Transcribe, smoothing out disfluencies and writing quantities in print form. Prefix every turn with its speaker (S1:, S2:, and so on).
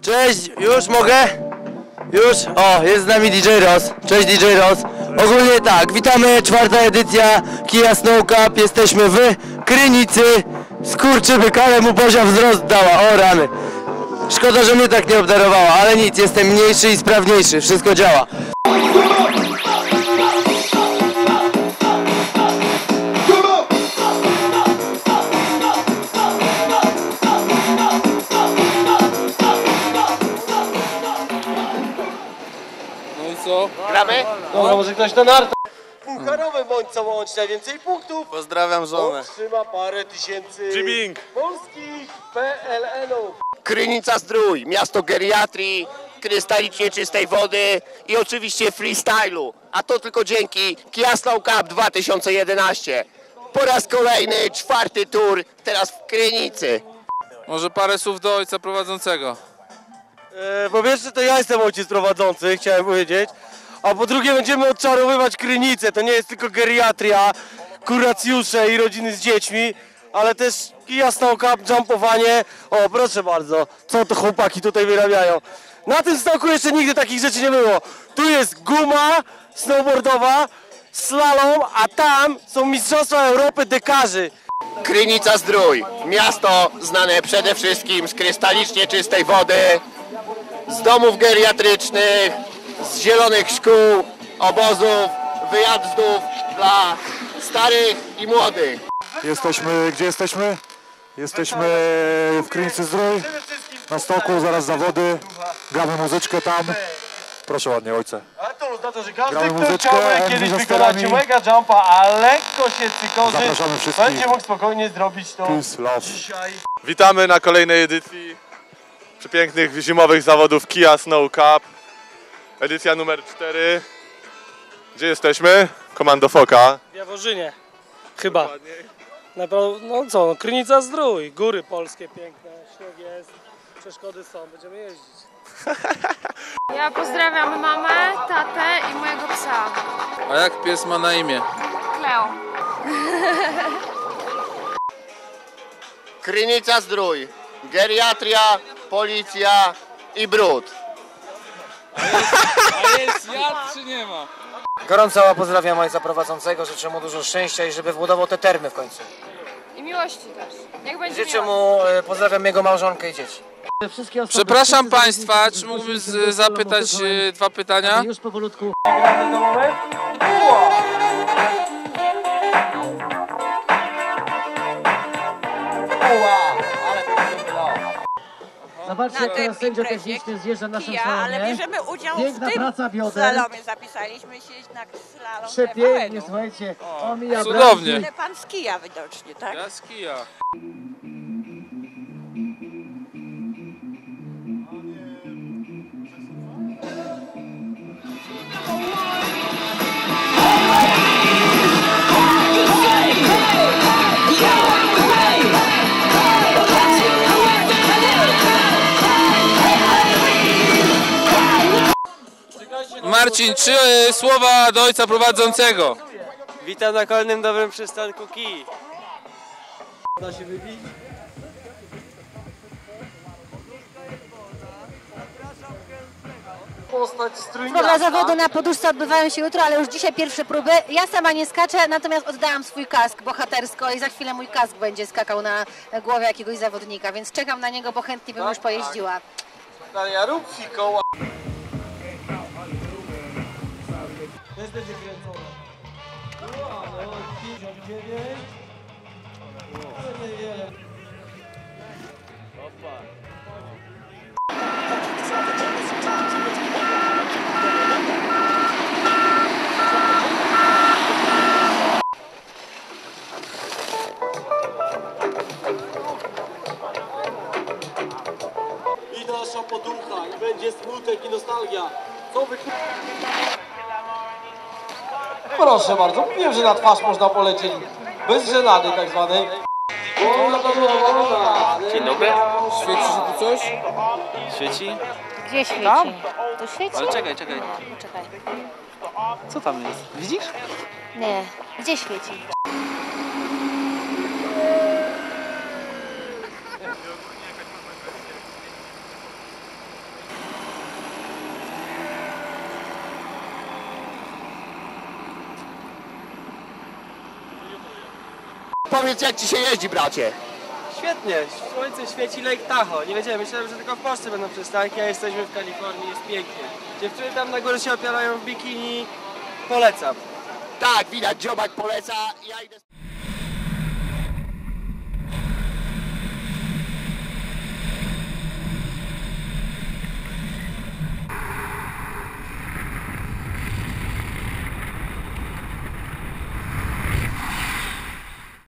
S1: Cześć, już mogę? Już? O, jest z nami DJ Ross. Cześć DJ Ross. Ogólnie tak, witamy, 4. edycja Kia Snow Cup. Jesteśmy w Krynicy. Skurczybyk, ale mu Bozia wzrost dała, o rany. Szkoda, że mnie tak nie obdarowała, ale nic, jestem mniejszy i sprawniejszy, wszystko działa.
S2: Co?
S3: Gramy?
S2: Dobra, może ktoś na nartę.
S3: Pucharowy bądź co łączy najwięcej punktów.
S1: Pozdrawiam żonę.
S3: Otrzyma parę tysięcy
S2: G-Bing.
S3: polskich PLN-ów.
S4: Krynica Zdrój, miasto geriatrii, krystalicznie czystej wody i oczywiście freestylu. A to tylko dzięki Kia Snow Cup 2011. Po raz kolejny, 4. tur, teraz w Krynicy.
S2: Może parę słów do ojca prowadzącego.
S3: Po pierwsze to ja jestem ojciec prowadzący, chciałem powiedzieć. A po drugie będziemy odczarowywać Krynicę. To nie jest tylko geriatria, kuracjusze i rodziny z dziećmi, ale też Kia Snow Cup, jumpowanie. O, proszę bardzo, co to chłopaki tutaj wyrabiają. Na tym stoku jeszcze nigdy takich rzeczy nie było. Tu jest guma snowboardowa, slalom, a tam są mistrzostwa Europy dekarzy.
S4: Krynica Zdrój, miasto znane przede wszystkim z krystalicznie czystej wody, z domów geriatrycznych, z zielonych szkół, obozów, wyjazdów dla starych i młodych.
S5: Gdzie jesteśmy? Jesteśmy w Krynicy Zdrój, na stoku, zaraz zawody, gramy muzyczkę tam. Proszę ładnie, ojcze.
S3: A to oznacza, że każdy,
S5: Gramy
S3: kto
S5: muzyczkę,
S3: chciałby kiedyś
S5: za
S3: wykonać
S5: sterami.
S3: mega jumpa, a lekko się cykorzy,
S5: Zapraszamy wszystkich.
S3: będzie mógł spokojnie zrobić to
S5: Peace, love.
S3: dzisiaj.
S2: Witamy na kolejnej edycji przepięknych zimowych zawodów Kia Snow Cup. Edycja numer 4. Gdzie jesteśmy? Komando Foka.
S6: W Jaworzynie, chyba. No co, Krynica Zdrój, góry polskie piękne, śnieg jest, przeszkody są, będziemy jeździć.
S7: Ja pozdrawiam mamę, tatę i mojego psa.
S2: A jak pies ma na imię?
S7: Kleo.
S4: Krynica Zdrój, geriatria, policja i brud.
S2: A jest jad czy nie ma?
S8: Gorąco pozdrawiam ojca prowadzącego, życzę mu dużo szczęścia i żeby wbudował te termy w końcu.
S7: I miłości też. Jak będzie
S8: Życzę
S7: miłość.
S8: mu, pozdrawiam jego małżonkę i dzieci.
S2: Przepraszam Państwa, czy mógłbym zapytać dwa pytania?
S6: Już powolutku. Zobaczcie, jak teraz sędzia techniczny zjeżdża naszym
S9: ale
S6: salonie.
S9: bierzemy udział
S6: Piękna
S9: w tym
S6: praca bioder.
S9: slalomie. Zapisaliśmy się na slalom
S6: Przepięknie,
S9: TVN-u.
S6: słuchajcie. Omija
S2: Cudownie.
S9: Ale pan z kija widocznie, tak?
S2: Ja z kija. Marcin, 3 słowa do ojca prowadzącego.
S6: Witam na kolejnym dobrym przystanku Kii. Da się wybić? Postać strójniarka.
S10: Próby zawodu na poduszce odbywają się jutro, ale już dzisiaj pierwsze próby. Ja sama nie skaczę, natomiast oddałam swój kask bohatersko i za chwilę mój kask będzie skakał na głowie jakiegoś zawodnika, więc czekam na niego, bo chętnie bym już pojeździła.
S3: Daria, rób fikoła.
S6: Też będzie kręcone. Wow, 59. Ale niewiele.
S3: I nasza poducha, i będzie smutek i nostalgia. Co wy... Proszę bardzo, wiem, że na twarz można polecieć bez żenady tak zwanej.
S8: Dzień dobry.
S2: Świeci się tu coś?
S8: Świeci?
S10: Gdzie świeci? Tu świeci?
S8: Ale czekaj.
S10: Czekaj.
S8: Co tam jest? Widzisz?
S10: Nie. Gdzie świeci?
S4: Powiedz, jak ci się jeździ, bracie?
S3: Świetnie, słońce świeci Lake Tahoe. Nie wiedziałem, myślałem, że tylko w Polsce będą przystanki, a jesteśmy w Kalifornii, jest pięknie. Dziewczyny tam na górze się opierają w bikini, polecam.
S4: Tak, widać, dziobak poleca, ja idę...